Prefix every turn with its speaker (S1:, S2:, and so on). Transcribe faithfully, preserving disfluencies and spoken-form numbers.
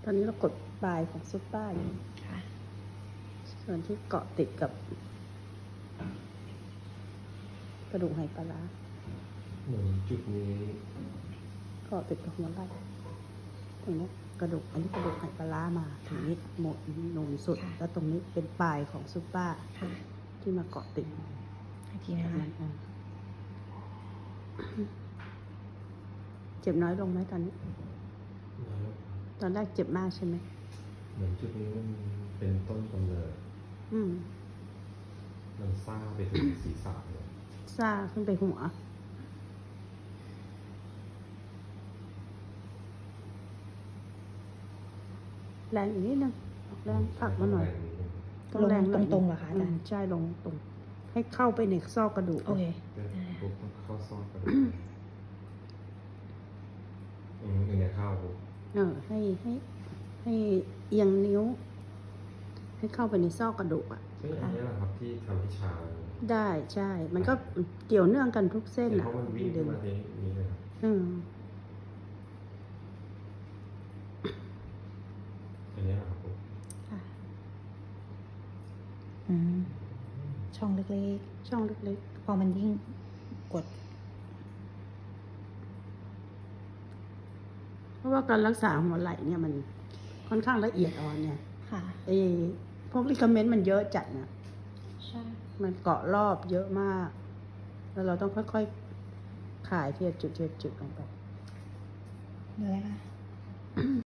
S1: อนนี้เรากดปลายของซุปเปอร์อยู่
S2: ค่ะ
S1: ส่วนที่เกาะติดกับกระดูกไหปลาร้า
S3: เหมือนจุดนี้
S1: เกาะติดกับหัวไหล่ตรงนี้กระดูกอันนี้กระดูกไหปลาร้ามาถึงนี้หมดหนุนสุด แล้วตรงนี้เป็นปลายของซุปเปอร์
S2: ค่ะ
S1: ที่มาเกาะติด
S2: อีกทีนะคะ
S1: อ่ะเจ็บน้อยลงไหมตอนนี้
S3: แล้ว
S1: ตอนแรกเจ็บมากใช่ไหม
S3: เหมือนจุดนี้มันเป็นต้นกำเนิด
S1: อืม
S3: มันซ่าไปถึงศีรษะเลย
S1: ซ่าขึ้นไปหัว แรงอีกนิดนึงออกแรงผลักมาหน่อย
S2: ลงตรงๆเหรอคะอาจารย์
S1: ใช่ลงตรง ให้เข้าไปในซอกกระดูก
S2: โอเค
S3: ปุ๊บต้องเข้าซอกกระดูกอืมอย่างเงี้ยเข้าปุ๊บ
S1: เออให้ให้ให้เอียงนิ้ว ให้เข้าไปในซอกกระดูกอ่ะ
S3: เอ้ยอันนี้แหละครับที่ทำให้ชา
S1: ได้ใช่ มันก็เกี่ยวเนื่องกันทุกเส้น
S3: เห็น
S1: อ่ะ
S3: เพราะมันวิ่งขึ้นมาที่นี้เลยครับ
S1: อืม
S3: อันนี้แหละครับปุ๊บ
S2: ค่ะอืมช่องเล็ก
S1: ช่องเล็ก
S2: ๆ พอมันยิ่งกด
S1: ๆ เพราะว่าการรักษาหัวไหล่เนี่ยมันค่อนข้างละเอียดอ่อนเนี่ย
S2: ค่ะ
S1: ไอ้พวกลิกาเมนต์มันเยอะจัดนะ
S2: ใช่
S1: มันเกาะรอบเยอะมาก แล้วเราต้องค่อยๆ ขายทีละจุดทีละจุดลงไป
S2: เดี๋ยวนะคะ